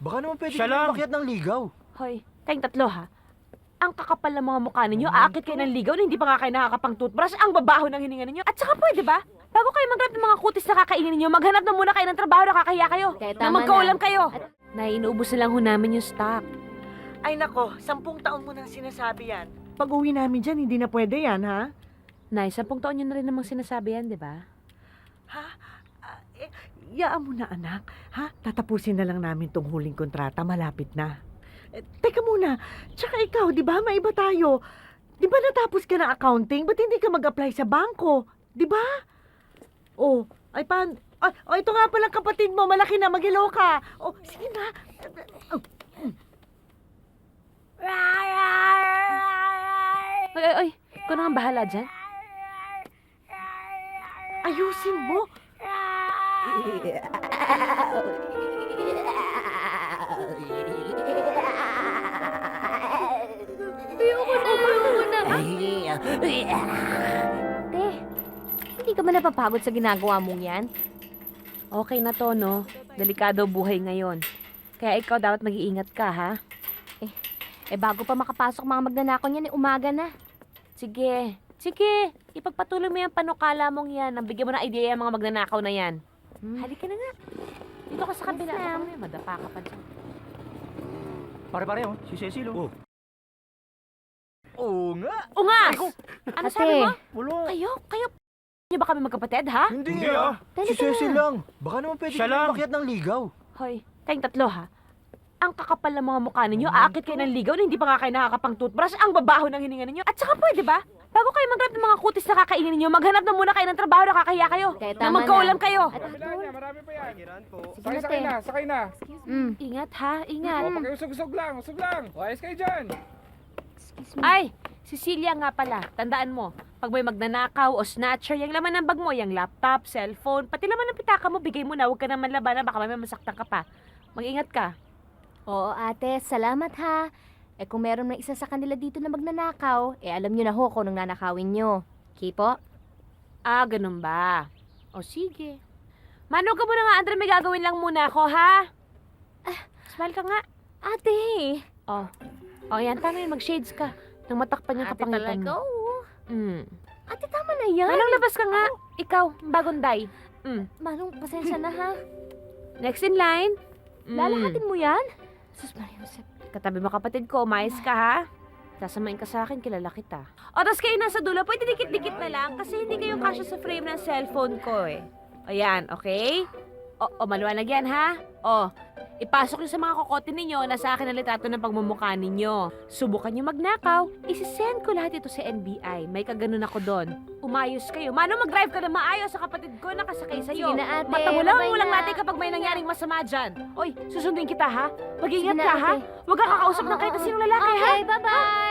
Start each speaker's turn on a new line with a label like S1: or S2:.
S1: Baka naman pwede
S2: Siya
S1: kayo
S2: lang.
S1: makiat ng ligaw.
S3: Hoy, kayong tatlo ha. Ang kakapal ng mga mukha ninyo, aakit kayo ng ligaw na hindi pa nga kayo nakakapang toothbrush, ang babaho ng hininga ninyo. At saka pwede ba? Bago kayo maghanap ng mga kutis na kakainin ninyo, maghanap na muna kayo ng trabaho na kakahiya kayo.
S4: Kaya
S3: Na
S4: tama
S3: magkaulam
S4: na.
S3: kayo. Nay, inuubos na lang ho namin yung stock.
S5: Ay nako, 10 taon mo nang sinasabi yan. Pag uwi namin dyan, hindi na pwede yan, ha?
S3: Nay, 10 taon nyo na rin namang sinasabi yan, di ba?
S5: Ha? Yaan mo na, anak. Ha? Tatapusin na lang namin tong huling kontrata. Malapit na. Teka muna. Tsaka ikaw, di ba? Maiba tayo. Di ba natapos ka ng accounting? Ba't hindi ka mag-apply sa bangko? Di ba? Oh, ay pan... Ay, ito nga palang kapatid mo. Malaki na. Mag-hello ka. Oh, sige na.
S3: Ay, ikaw na nga bahala dyan.
S5: Ayusin mo.
S4: Ayoko na. Te, hindi ka ba napapagod sa ginagawa mong yan?
S3: Okay na to, no? Delikado buhay ngayon. Kaya ikaw dapat mag-iingat ka, ha?
S4: Bago pa makapasok mga magnanakaw niyan, umaga na.
S3: Sige. Sige. Ipagpatuloy mo yung panukala mong yan. Nabigyan mo ng idea yung mga magnanakaw na yan. Halika na nga. Dito ka sa kabila.
S4: Yes, ma'am.
S3: Baka madapa ka pa dyan.
S2: Pare-pare, oh. Si Cecil, oh.
S1: Oo nga.
S3: Ungas! Ano
S4: Ate.
S3: sabi mo?
S1: Wala.
S3: Kayo niyo ba kami magkapatid, ha?
S1: Hindi,
S2: Hindi,
S1: ah.
S4: Talaga
S1: Si Cecil
S4: na.
S1: lang. Baka naman pwede
S2: Siya
S1: kayo
S2: lang.
S1: makiat ng ligaw.
S3: Hoy, kayong tatlo, ha? Ang kakapal ng mga mukha ninyo, aakit kayo ng ligaw na hindi pa nga kayo nakakapang toothbrush, ang babaho ng hininga ninyo. At saka pwede ba? Bago kayo maghanap ng mga kutis na kakainin ninyo, maghanap na muna kayo ng trabaho na kakahiya kayo.
S4: Kaya
S3: Na
S4: tama
S3: magkaulam
S4: na.
S3: kayo.
S4: At
S6: Marami pa yan.
S4: sige
S6: Sakay,
S4: na,
S6: sakay
S4: te.
S6: na, sakay na.
S3: Ingat, ha? Ingat.
S6: O, pakiusog-usog lang, usog lang. O, ayos kayo dyan.
S4: Excuse me.
S3: Ay, Cecilia nga pala, tandaan mo, pag may magnanakaw o snatcher, yung laman ng bag mo, yung laptop, cellphone, pati laman ng pitaka mo, bigay mo na, huwag ka naman labanan, baka may masaktan ka pa. Mag-ingat ka.
S4: Oo, ate, salamat ha. Kung meron na isa sa kanila dito na magnanakaw, alam nyo na ho kung anong nanakawin nyo. Kipo?
S3: Ah, ganun ba? O sige. Mano ka muna nga, Andre, may gagawin lang muna ako, ha? Smile ka nga.
S4: Ate!
S3: Oh. O, yan, tama yun, mag-shades ka. Nang matakpan yung kapangitan mo.
S4: oo. Ate, tama na yan.
S3: Manong, labas ka nga. Ikaw, bagong day.
S4: Manong, pasensya na ha.
S3: Next in line.
S4: Lalahatin mo yan?
S3: Sus, Maria Josep. Katabi mo kapatid ko, umayos ka, ha? Sasamain ka sa akin, kilala kita. O, tas kayo nasa dulo, pwede dikit-dikit na lang kasi hindi kayo kasya sa frame ng cellphone ko, eh. O, yan, okay? O, maliwanag yan, ha? O, ipasok nyo sa mga kokote ninyo na sa akin ang litrato ng pagmumukha ninyo. Subukan nyo magnakaw, isisend ko lahat ito sa NBI. May kaganon ako doon. Umayos kayo. Mano, mag-drive ka na maayos sa kapatid ko na kasakay sa'yo.
S4: Sige na, ate.
S3: Mata mo lang,
S4: Bye-bye
S3: ulang
S4: na.
S3: natin kapag may nangyaring masama dyan. Oy, susundin kita, ha? Mag-ingat
S4: Sige na,
S3: ka, ha?
S4: ate.
S3: Huwag kang kakausap ng kahit na sinong lalaki, ha?
S4: Okay, bye-bye!